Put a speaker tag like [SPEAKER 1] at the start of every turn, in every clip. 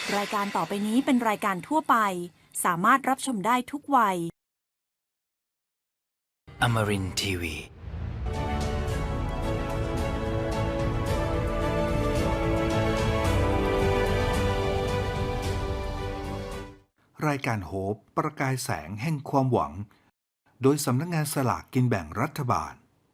[SPEAKER 1] รายการต่อไปนี้เป็นรายการทั่วไปสามารถรับชมได้ทุกวัย
[SPEAKER 2] Amarin Tiwi.
[SPEAKER 3] รายการโฮปประกายแสงแห่งความหวังโดยสำนักงานสลากกินแบ่งรัฐบาล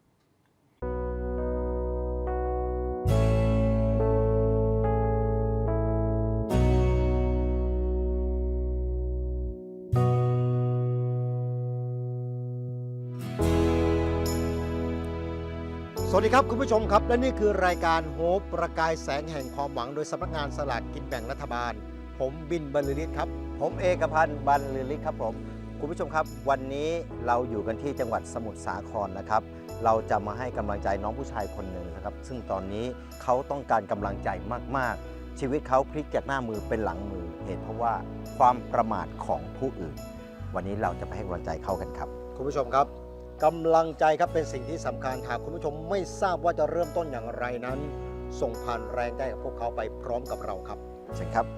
[SPEAKER 4] สวัสดีครับคุณผู้ชมครับและนี่คือรายการโฮปประกายแสงแห่งความหวังโดยสำนักงานสลากกินแบ่งรัฐบาลผมบินบรรลือฤทธิ์ครับผมเอกพันธ์บรรลือฤทธิ์ครับผมคุณผู้ชมครับวันนี้เราอยู่กันที่จังหวัดสมุทรสาครนะครับเราจะมาให้กำลังใจน้องผู้ชายคนหนึ่งนะครับซึ่งตอนนี้เขาต้องการกำลังใจมากๆชีวิตเขาพลิกจากหน้ามือเป็นหลังมือเหตุเพราะว่าความประมาทของผู้อื่นวันนี้เราจะไปให้กำลังใจเขากันครับคุณผู้ชมครับกำลังใจครับเป็นสิ่งที่สำคัญหากคุณผู้ชมไม่ทราบว่าจะเริ่มต้นอย่างไรนั้นส่งผ่านแรงใจกับพวกเขาไปพร้อมกับเราครับเชิญครับ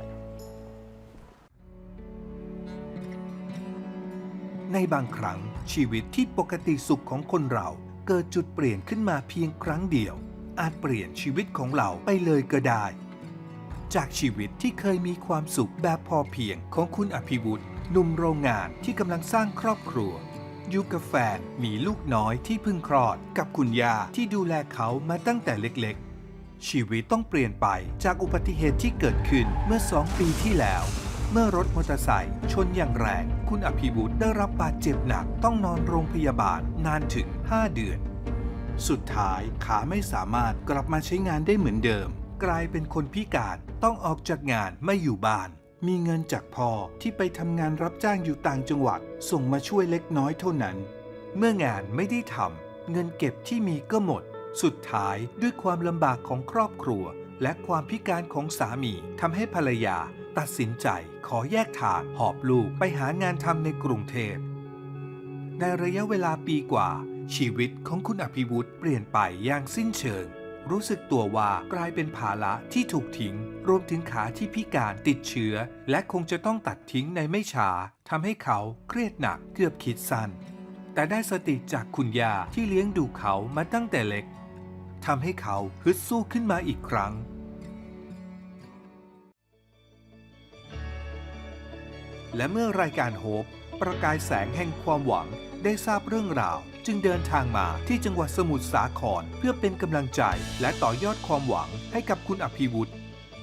[SPEAKER 3] ในบางครั้งชีวิตที่ปกติสุขของคนเราเกิดจุดเปลี่ยนขึ้นมาเพียงครั้งเดียวอาจเปลี่ยนชีวิตของเราไปเลยก็ได้จากชีวิตที่เคยมีความสุขแบบพอเพียงของคุณอภิวุฒิหนุ่มโรงงานที่กำลังสร้างครอบครัวอยู่กับแฟนมีลูกน้อยที่เพิ่งคลอดกับคุณย่าที่ดูแลเขามาตั้งแต่เล็กๆชีวิตต้องเปลี่ยนไปจากอุบัติเหตุที่เกิดขึ้นเมื่อ2 ปีที่แล้วเมื่อรถมอเตอร์ไซค์ชนอย่างแรงคุณอภิวุฒิได้รับบาดเจ็บหนักต้องนอนโรงพยาบาลนานถึง5 เดือนสุดท้ายขาไม่สามารถกลับมาใช้งานได้เหมือนเดิมกลายเป็นคนพิการต้องออกจากงานไม่อยู่บ้านมีเงินจากพ่อที่ไปทำงานรับจ้างอยู่ต่างจังหวัดส่งมาช่วยเล็กน้อยเท่านั้นเมื่องานไม่ได้ทำเงินเก็บที่มีก็หมดสุดท้ายด้วยความลำบากของครอบครัวและความพิการของสามีทำให้ภรรยาตัดสินใจขอแยกทางหอบลูกไปหางานทำในกรุงเทพในระยะเวลาปีกว่าชีวิตของคุณอภิวุฒิเปลี่ยนไปอย่างสิ้นเชิงรู้สึกตัวว่ากลายเป็นภาระที่ถูกทิ้งรวมถึงขาที่พิการติดเชื้อและคงจะต้องตัดทิ้งในไม่ช้าทำให้เขาเครียดหนักเกือบคิดสั้นแต่ได้สติจากคุณย่าที่เลี้ยงดูเขามาตั้งแต่เล็กทำให้เขาฮึดสู้ขึ้นมาอีกครั้งและเมื่อรายการโฮปประกายแสงแห่งความหวังได้ทราบเรื่องราวจึงเดินทางมาที่จังหวัดสมุทรสาครเพื่อเป็นกำลังใจและต่อยอดความหวังให้กับคุณอภิวุฒิ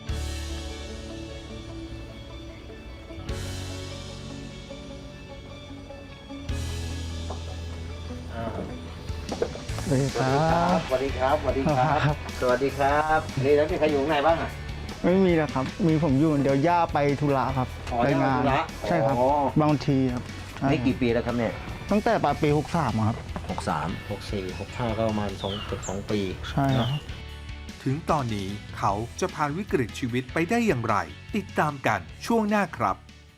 [SPEAKER 5] สวัสดีครับ
[SPEAKER 4] สวัสดีครับสวัสดีครับสวัสดีครับนี่แล้วมีใครอยู่ข้างในบ้างอ่ะ
[SPEAKER 5] ไม่มีแล้วครับ มีผมอยู่คนเดียวย่าไปธุระครับ
[SPEAKER 4] อ๋อ
[SPEAKER 5] ไปงาน
[SPEAKER 4] ย่าไปธุระ
[SPEAKER 5] ใช่ครับ
[SPEAKER 4] อ๋อบ
[SPEAKER 5] างทีครับใช่
[SPEAKER 4] นี่กี่ปีแล้วครับเนี่ย
[SPEAKER 5] ตั้งแต่ปลายปี63ครับ
[SPEAKER 4] 63 64 65ก็ประมาณ2 ปี
[SPEAKER 5] ใช่ครับ
[SPEAKER 3] ถึงตอนนี้เขาจะผ่านวิกฤตชีวิตไปได้อย่างไรติดตามกันช่วงหน้าครับ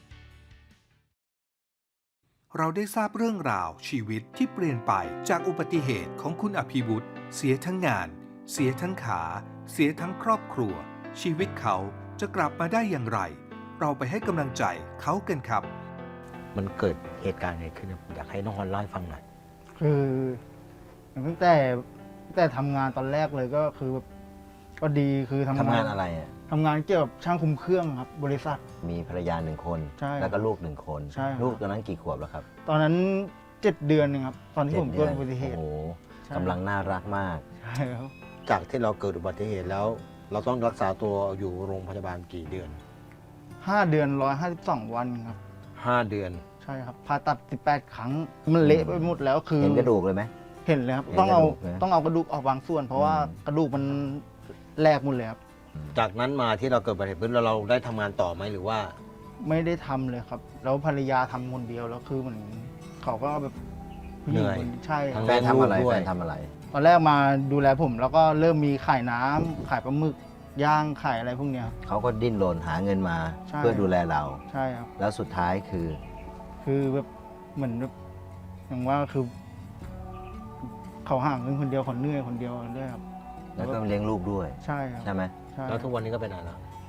[SPEAKER 3] เราได้ทราบเรื่องราวชีวิตที่เปลี่ยนไปจากอุบัติเหตุของคุณอภิวุฒิเสียทั้งงานเสียทั้งขาเสียทั้งครอบครัวชีวิตเขาจะกลับมาได้อย่างไรเราไปให้กำลังใจเขากันครับ
[SPEAKER 4] มันเกิดเหตุการณ์อะไรขึ้นอยากให้น้องฮอนเล่าให้ฟังหน่อย
[SPEAKER 5] คือตั้งแต่ทำงานตอนแรกเลยก็คือแบบก็ดีคือทำ
[SPEAKER 4] ทำงานอะไรอ่ะ
[SPEAKER 5] ทำงานเกี่ยวกับช่างคุมเครื่องครับ บริษัท
[SPEAKER 4] มีภรรยา1 คน
[SPEAKER 5] ใช่
[SPEAKER 4] แล้วก็ลูก1 คน
[SPEAKER 5] ใช่ครับ
[SPEAKER 4] ลูกตอนนั้นกี่ขวบแล้วครับ
[SPEAKER 5] ตอนนั้น7 เดือนนึงครับ ตอนที่ผมเกิดอุบัติเหตุ
[SPEAKER 4] โอ้โห
[SPEAKER 5] ใช่
[SPEAKER 4] กำลังน่ารักมาก
[SPEAKER 5] ใช่ครับ
[SPEAKER 6] จากที่เราเกิดอุบัติเหตุแล้ว เราต้องรักษาตัวอยู่โรงพยาบาลกี่เดือน
[SPEAKER 5] 5 เดือน152 วันครับ
[SPEAKER 6] 5 เดือน
[SPEAKER 5] ใช่ครับผ่าตัด18 ครั้งมันเละไปหมดแล้วคือ
[SPEAKER 4] เห็นกระดูกเลยไหม
[SPEAKER 5] เห็นเลยครับ
[SPEAKER 4] เห็น
[SPEAKER 5] ต้องเอา
[SPEAKER 4] กระดูกนะ
[SPEAKER 5] ต้องเอากระดูกออกบางส่วน เพราะว่า
[SPEAKER 4] อืม
[SPEAKER 5] กระดูกมันแหลกหมดเลยครับ
[SPEAKER 6] จากนั้นมาที่เราเกิดอุบัติเหตุปุ๊บแล้วเราได้ทำงานต่อไหมหรือว่า
[SPEAKER 5] ไม่ได้ทำเลยครับ แล้วภรรยาทำคนเดียวแล้วคือเหมือนเขาก็แบบผู้หญิงคนใช่ค
[SPEAKER 6] ทั้
[SPEAKER 5] รับ
[SPEAKER 6] ง
[SPEAKER 4] แฟนทำอะไร
[SPEAKER 6] ลูกด้วย
[SPEAKER 4] แฟนทำอะไร
[SPEAKER 5] ตอนแรกมาดูแลผม แล้วก็เริ่มมีขายน้ำขายปลาหมึกย่างขายอะไรพวกเนี้ยครับ
[SPEAKER 4] เขาก็ดิ้นรนหาเงินมา
[SPEAKER 5] ใช่
[SPEAKER 4] เพื่อดูแลเรา
[SPEAKER 5] ใช่ครับ
[SPEAKER 4] แล้วสุดท้ายคือ
[SPEAKER 5] คือแบบเหมือนแบบอย่างว่าคือ เขาห่างเงินคนเดียวเขาเหนื่อยคนเดียวด้วยครับ
[SPEAKER 4] แล้วก็เลี้ยงลูกด้วย
[SPEAKER 5] ใช่ครับ
[SPEAKER 4] ใช่ไหม
[SPEAKER 5] ใช่
[SPEAKER 6] แล้วทุกวันนี้ก็เป็นอะไรแล้ว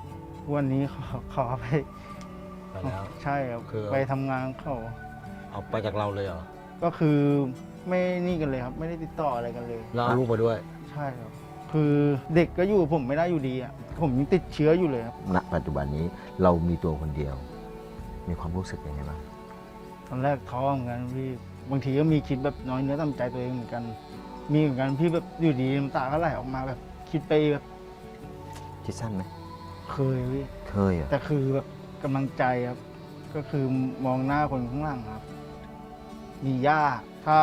[SPEAKER 5] วันนี้ขอไป
[SPEAKER 6] ไปแล้ว
[SPEAKER 5] ใช่ครับ
[SPEAKER 6] คือ
[SPEAKER 5] ไปทำงานเขา
[SPEAKER 6] เอาไปจากเราเลยเหรอ
[SPEAKER 5] ก็คือไม่นี่กันเลยครับ ไม่ได้ติดต่ออะไรกันเลย
[SPEAKER 6] แล้วเอาลูกมาด้วย
[SPEAKER 5] ใช่ครับ คือเด็กก็อยู่กับผมไม่ได้อยู่ดีอ่ะผมยังติดเชื้ออยู่เลยครับ
[SPEAKER 2] ณปัจจุบันนี้เรามีตัวคนเดียว มีความรู้สึกยังไงบ้าง
[SPEAKER 5] ตอนแรกท้อเหมือนกันพี่บางทีก็มีคิดแบบน้อยเนื้อต่ำใจตัวเองเหมือนกัน มีเหมือนกันพี่แบบอยู่ดีน้ำตาก็ไหลออกมาแบบคิดไปแบบ
[SPEAKER 2] คิดสั้นไหม
[SPEAKER 5] เคยพี่
[SPEAKER 2] เคยเหรอ่ะ
[SPEAKER 5] แต่คือแบบกำลังใจครับ ก็คือมองหน้าคนข้างหลังครับ มีย่าถ้า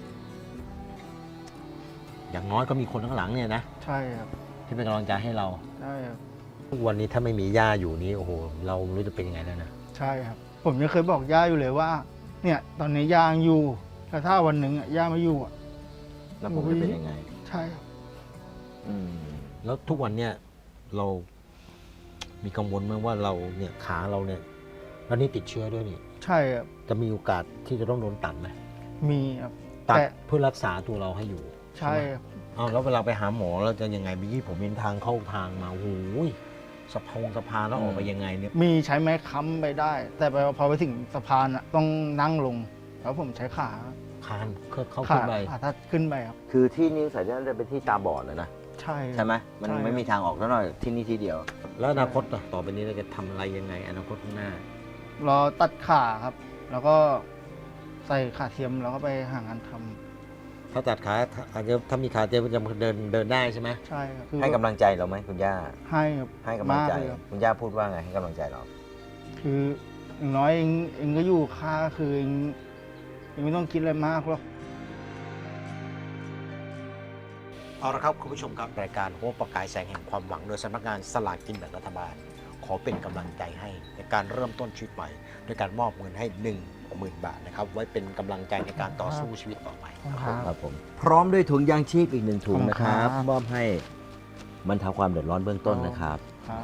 [SPEAKER 6] อย่างน้อยก็มีคนข้างหลังเนี่ยนะ
[SPEAKER 5] ใช่ครับ
[SPEAKER 6] ที่เป็นกำลังใจให้เรา
[SPEAKER 5] ใช่ครับ
[SPEAKER 6] ทุกวันนี้ถ้าไม่มีย่าอยู่นี้โอ้โหเราไม่รู้จะเป็นยังไงแล้วนะ
[SPEAKER 5] ใช่ครับ ผมยังเคยบอกย่าอยู่เลยว่า เนี่ยตอนนี้ย่ายังอยู่แต่ถ้าวันหนึ่งย่าไม่อยู่อ่ะ
[SPEAKER 2] แล้วผมจะเป็นยังไง
[SPEAKER 5] ใช่ครับ
[SPEAKER 2] อืม
[SPEAKER 6] แล้วทุกวันเนี่ยเรามีกังวลไหมว่าเราเนี่ยขาเราเนี่ยแล้วนี่ติดเชื้อด้วยนี่
[SPEAKER 5] ใช่ครับ
[SPEAKER 6] จะมีโอกาสที่จะต้องโดนตัดไหม
[SPEAKER 5] มีครับ
[SPEAKER 6] ตัด
[SPEAKER 5] แต่
[SPEAKER 6] เพื่อรักษาตัวเราให้อยู่
[SPEAKER 5] ใช่ครับ
[SPEAKER 6] อ้าวแล้วเวลาไปหาหมอเราจะยังไงเมื่อกี้ผมเห็นทางเข้าทางมาโอ้โหสะพานแล้วออกไปยังไงเนี่ย
[SPEAKER 5] มีใช้ไม้ค้ำไปได้ แต่พอไปถึงสะพานอ่ะต้องนั่งลง แล้วผมใช้ขา
[SPEAKER 6] คานเข้า
[SPEAKER 5] ขา
[SPEAKER 6] ขึ้นไป
[SPEAKER 5] ขาทัดขึ้นไปครับ
[SPEAKER 2] คือที่นิ้วสายนั้นจะเป็นที่ตาบอดเลยนะ
[SPEAKER 5] ใช่
[SPEAKER 2] ใช่ไหมมัน
[SPEAKER 5] ใช่
[SPEAKER 2] ไม่มีทางออกแล้วหน่อยที่นี่ที่เดียว
[SPEAKER 6] แล้วอนาคตต่อไปนี้เราจะทำอะไรยังไงอนาคตข้างหน้า
[SPEAKER 5] รอตัดขาครับ แล้วก็ใส่ขาเทียมแล้วก็ไปหางานทำ
[SPEAKER 6] ถ้าตัดขาอาจจะถ้ามีขาเจ็บจะเดินได้ใช่ไหม
[SPEAKER 5] ใช่ครับคือ
[SPEAKER 2] ให้กำลังใจเราไหมคุณย่า
[SPEAKER 5] ให้ครับ
[SPEAKER 2] ให้กำลังใจ
[SPEAKER 5] มากเลยครับ
[SPEAKER 2] คุณย่าพูดว่าไงให้กำลังใจเรา
[SPEAKER 5] คืออย่างน้อยเองก็อยู่ค่าคือเองไม่ต้องคิดอะไรมากหรอก
[SPEAKER 6] เอาละครับคุณผู้ชมครับรายการโฮปประกายแสงแห่งความหวังโดยสำนักงานสลากกินแบ่งรัฐบาล ขอเป็นกำลังใจให้ในการเริ่มต้นชีวิตใหม่โดยการมอบเงินให้ 10,000 บาทนะครับไว้เป็นกำลังใจในการต่อสู้ชีวิตต่อไป
[SPEAKER 2] ครับผม พร้อมด้วยถุงยางชีพอีกหนึ่งถุง
[SPEAKER 5] ขอบคุณ
[SPEAKER 2] นะครับ
[SPEAKER 5] ครับ
[SPEAKER 2] มอบให้บรรเทาความเดือดร้อนเบื้องต้นนะครับ
[SPEAKER 5] ครับ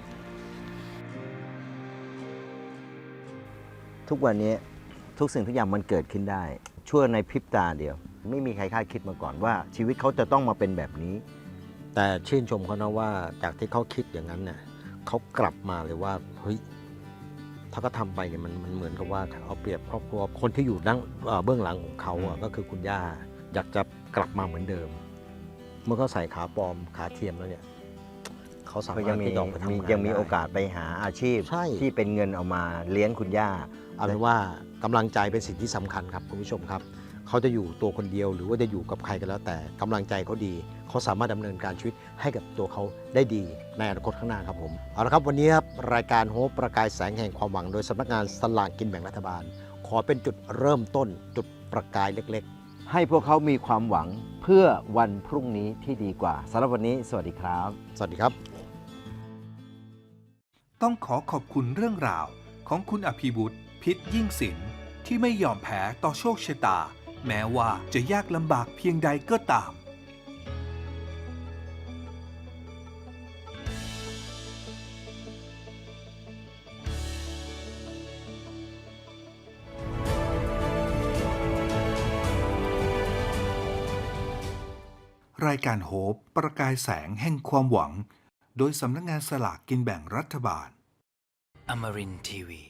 [SPEAKER 2] ทุกวันนี้ทุกสิ่งทุกอย่างมันเกิดขึ้นได้ ชั่วในพริบตาเดียว ไม่มีใครคาดคิดมาก่อนว่า ชีวิตเขาจะต้องมาเป็นแบบนี้
[SPEAKER 6] แต่ชื่นชมเขานะว่าจากที่เขาคิดอย่างนั้นเนี่ยเขากลับมาเลยว่าเฮ้ยถ้าเขาทำไปเนี่ยมันเหมือนกับว่าเอาเปรียบครอบครัวคนที่อยู่เบื้องหลังของเขาอะก็คือคุณย่าอยากจะกลับมาเหมือนเดิม เมื่อเขาใส่ขาปลอมขาเทียมแล้วเนี่ยเขาสา
[SPEAKER 2] ก็
[SPEAKER 6] มาร
[SPEAKER 2] ยั
[SPEAKER 6] ถ
[SPEAKER 2] งมี
[SPEAKER 6] ที่จะออกไปทำงาน
[SPEAKER 2] ยังมี
[SPEAKER 6] ได้
[SPEAKER 2] โอกาสไปหาอาชีพ
[SPEAKER 6] ใช่
[SPEAKER 2] ที่เป็นเงินเอามาเลี้ยงคุณย่า
[SPEAKER 6] เอาเป็นว่ากำลังใจเป็นสิ่งที่สำคัญครับคุณผู้ชมครับเขาจะอยู่ตัวคนเดียวหรือว่าจะอยู่กับใครก็แล้วแต่กำลังใจเขาดีเขาสามารถดำเนินการชีวิตให้กับตัวเขาได้ดีในอนาคตข้างหน้าครับผมเอาละครับวันนี้ครับรายการโฮปประกายแสงแห่งความหวังโดยสำนักงานสลากกินแบ่งรัฐบาล ขอเป็นจุดเริ่มต้นจุดประกายเล็ก
[SPEAKER 2] ให้พวกเขามีความหวังเพื่อวันพรุ่งนี้ที่ดีกว่าสำหรับวันนี้สวัสดีครับ
[SPEAKER 6] ๆ สวัสดีครับ
[SPEAKER 3] ต้องขอขอบคุณเรื่องราวของคุณอภิวุฒิพิษยิ่งศิลป์ที่ไม่ยอมแพ้ต่อโชคชะตา แม้ว่าจะยากลำบากเพียงใดก็ตาม รายการโฮปประกายแสงแห่งความหวัง โดยสำนักงานสลากกินแบ่งรัฐบาล
[SPEAKER 7] Amarin Tiwi.